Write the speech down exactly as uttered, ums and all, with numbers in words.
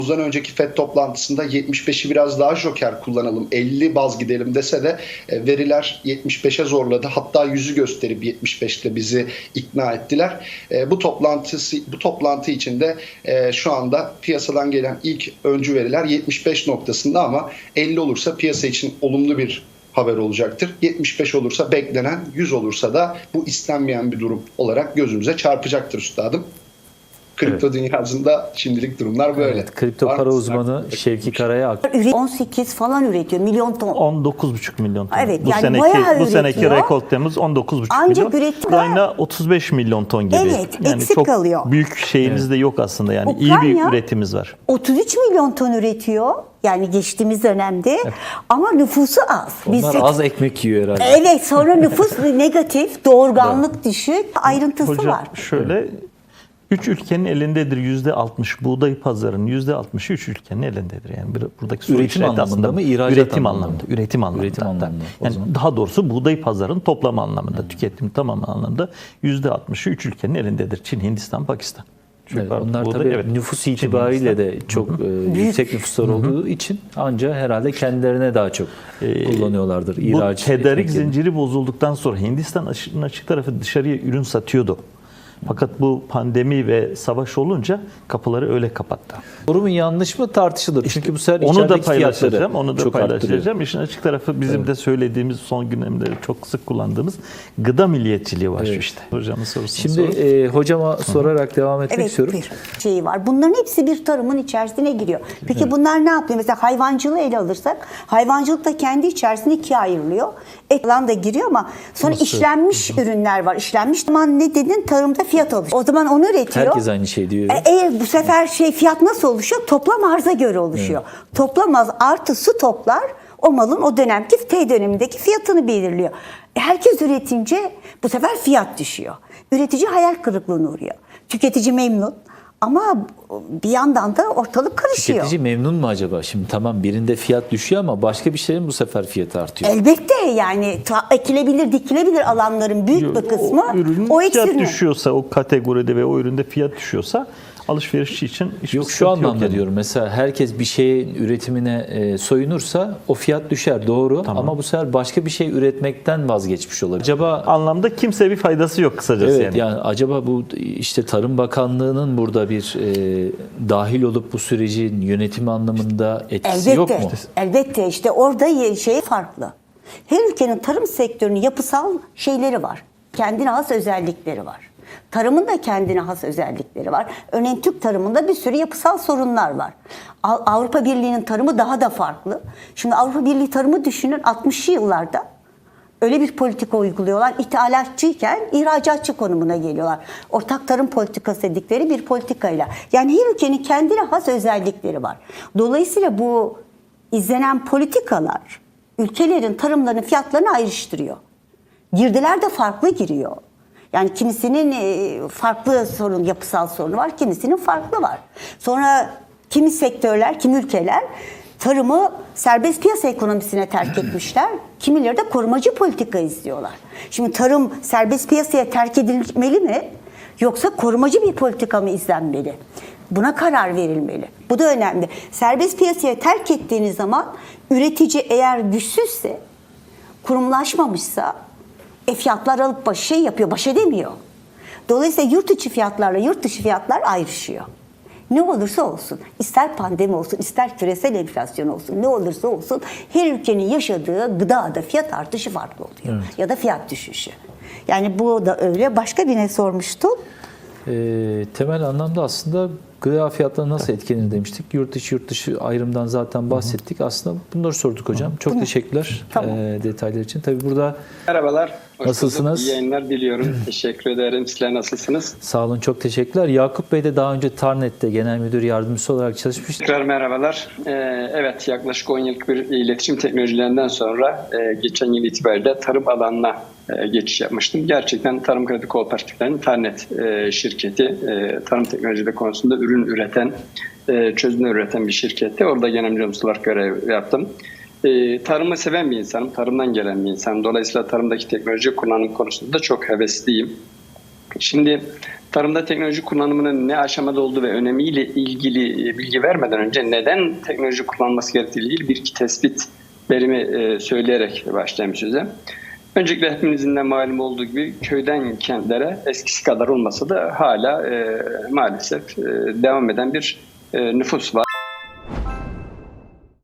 Temmuz'dan önceki F E D toplantısında yetmiş beşi biraz daha joker kullanalım, elli baz gidelim dese de e, veriler yetmiş beşe zorladı. Hatta yüzü gösterip yetmiş beşte bizi ikna ettiler. E, bu toplantısı bu toplantı içinde e, şu anda piyasadan gelen ilk öncü veriler yetmiş beş noktasında, ama elli olursa piyasa için olumlu bir haber olacaktır. yetmiş beş olursa beklenen, yüz olursa da bu istenmeyen bir durum olarak gözümüze çarpacaktır üstadım. Kripto evet. dünyasında şimdilik durumlar böyle. Evet, kripto para uzmanı Şevki Karay'a on sekiz falan üretiyor, milyon ton. on dokuz buçuk milyon ton. Evet, bu yani seneki bayağı bu seneki üretiyor. rekor temiz on dokuz buçuk Ancak milyon. üretim- Ukrayna otuz beş milyon ton gibi. Evet, yani eksik çok kalıyor. büyük şeyimiz de yok aslında, yani Ukrayna, iyi bir üretimimiz var. otuz üç milyon ton üretiyor. Yani geçtiğimiz dönemde. Evet. Ama nüfusu az. Onlar Biz az ekmek yiyor herhalde. Evet, sonra nüfus negatif, doğurganlık evet. düşük, ayrıntısı Hocam, var. şöyle üç ülkenin elindedir yüzde altmış, buğday pazarının yüzde altmışı üç ülkenin elindedir. Yani buradaki soru üretim anlamında aslında mı, ihracat üretim anlamında, anlamında, üretim anlamında. Üretim anlamında. Yani daha doğrusu buğday pazarının toplam anlamında, hmm. tüketim tamamı anlamında yüzde altmışı üç ülkenin elindedir. Çin, Hindistan, Pakistan. Evet, onlar buğday, tabii evet. nüfus itibariyle de çok e, yüksek nüfuslar olduğu için ancak herhalde kendilerine daha çok e, kullanıyorlardır. İhraç, bu tedarik zinciri bozulduktan sonra Hindistan açık, açık tarafı dışarıya ürün satıyordu. Fakat bu pandemi ve savaş olunca kapıları öyle kapattı. Doğru mu yanlış mı tartışılır. İşte Çünkü bu sefer onu da paylaşacağım. Onu da paylaşacağım. Arttırıyor. İşin açık tarafı bizim evet. de söylediğimiz, son dönemde çok sık kullandığımız gıda milliyetçiliği var evet. işte. Hocamın sorusunu Şimdi e, hocama Hı. sorarak devam etmek evet, istiyorum. Bir şey var. Bunların hepsi bir tarımın içerisine giriyor. Peki evet. bunlar ne yapıyor? Mesela hayvancılığı ele alırsak, hayvancılık da kendi içerisinde ikiye ayrılıyor. Et falan da giriyor ama sonra Nasıl? işlenmiş Hı. ürünler var. İşlenmiş zaman ne dedin? Tarımda fiyat alışıyor. O zaman onu üretiyor. Herkes aynı şey diyor. E, eğer bu sefer şey fiyat nasıl oluşuyor? Toplam arza göre oluşuyor. Evet. Toplam arz artı stoklar o malın o dönemki T dönemindeki fiyatını belirliyor. E, herkes üretince bu sefer fiyat düşüyor. Üretici hayal kırıklığına uğruyor. Tüketici memnun. Ama bir yandan da ortalık karışıyor. Tüketici memnun mu acaba? Şimdi tamam, birinde fiyat düşüyor ama başka bir şeyin bu sefer fiyatı artıyor. Elbette, yani ekilebilir, dikilebilir alanların büyük bir kısmı o, ürünün o fiyat eksilme. düşüyorsa, o kategoride ve o üründe fiyat düşüyorsa alışverişçi için hiçbir yok şu anlamda yok yani. diyorum. Mesela herkes bir şeyin üretimine e, soyunursa o fiyat düşer, doğru, tamam. ama bu sefer başka bir şey üretmekten vazgeçmiş olabilir. Acaba anlamda kimseye bir faydası yok kısacası evet, yani. yani acaba bu işte Tarım Bakanlığı'nın burada bir e, dahil olup bu sürecin yönetimi anlamında etkisi elbette, yok mu? Elbette, işte orada şey farklı. Her ülkenin tarım sektörünün yapısal şeyleri var. Kendine has özellikleri var. Tarımın da kendine has özellikleri var. Örneğin Türk tarımında bir sürü yapısal sorunlar var. Avrupa Birliği'nin tarımı daha da farklı. Şimdi Avrupa Birliği tarımı düşünün, altmışlı yıllarda öyle bir politika uyguluyorlar. İthalatçıyken ihracatçı konumuna geliyorlar. Ortak tarım politikası dedikleri bir politikayla. Yani her ülkenin kendine has özellikleri var. Dolayısıyla bu izlenen politikalar ülkelerin tarımlarının fiyatlarını ayrıştırıyor. Girdiler de farklı giriyor. Yani kimisinin farklı sorun, yapısal sorunu var, kimisinin farklı var. Sonra kimi sektörler, kimi ülkeler tarımı serbest piyasa ekonomisine terk etmişler. Kimileri de korumacı politika izliyorlar. Şimdi tarım serbest piyasaya terk edilmeli mi? Yoksa korumacı bir politika mı izlenmeli? Buna karar verilmeli. Bu da önemli. Serbest piyasaya terk ettiğiniz zaman üretici eğer güçsüzse, kurumlaşmamışsa e fiyatlar alıp baş şey yapıyor, baş edemiyor. Dolayısıyla yurt içi fiyatlarla yurt dışı fiyatlar ayrışıyor. Ne olursa olsun, ister pandemi olsun, ister küresel enflasyon olsun, ne olursa olsun her ülkenin yaşadığı gıdada fiyat artışı farklı oluyor. Evet. Ya da fiyat düşüşü. Yani bu da öyle. Başka birine sormuştum. E, temel anlamda aslında gıda fiyatları nasıl etkilenir demiştik. Yurt içi yurt dışı ayrımdan zaten bahsettik. Hı hı. Aslında bunları sorduk hocam. Çok Bunu. teşekkürler tamam. e, detaylar için. Tabii burada merhabalar. Hoş nasılsınız? Bulduk. İyi yayınlar diliyorum. Teşekkür ederim. Sizler nasılsınız? Sağ olun. Çok teşekkürler. Yakup Bey de daha önce Tarnet'te genel müdür yardımcısı olarak çalışmıştı. Tekrar merhabalar. Ee, evet, yaklaşık on yıllık bir iletişim teknolojilerinden sonra e, geçen yıl itibariyle tarım alanına e, geçiş yapmıştım. Gerçekten Tarım Kredi Kooperatiflerinin Tarnet e, şirketi e, tarım teknolojileri konusunda ürün üreten, e, çözümler üreten bir şirketti. Orada genel müdür olarak görev yaptım. E, tarımı seven bir insanım, tarımdan gelen bir insanım. Dolayısıyla tarımdaki teknoloji kullanım konusunda da çok hevesliyim. Şimdi tarımda teknoloji kullanımının ne aşamada olduğu ve önemiyle ilgili bilgi vermeden önce neden teknoloji kullanılması gerektiği ilgili bir iki tespit verimi söyleyerek başlayayım söze. Öncelikle hepimizin de malum olduğu gibi köyden kentlere eskisi kadar olmasa da hala e, maalesef e, devam eden bir e, nüfus var.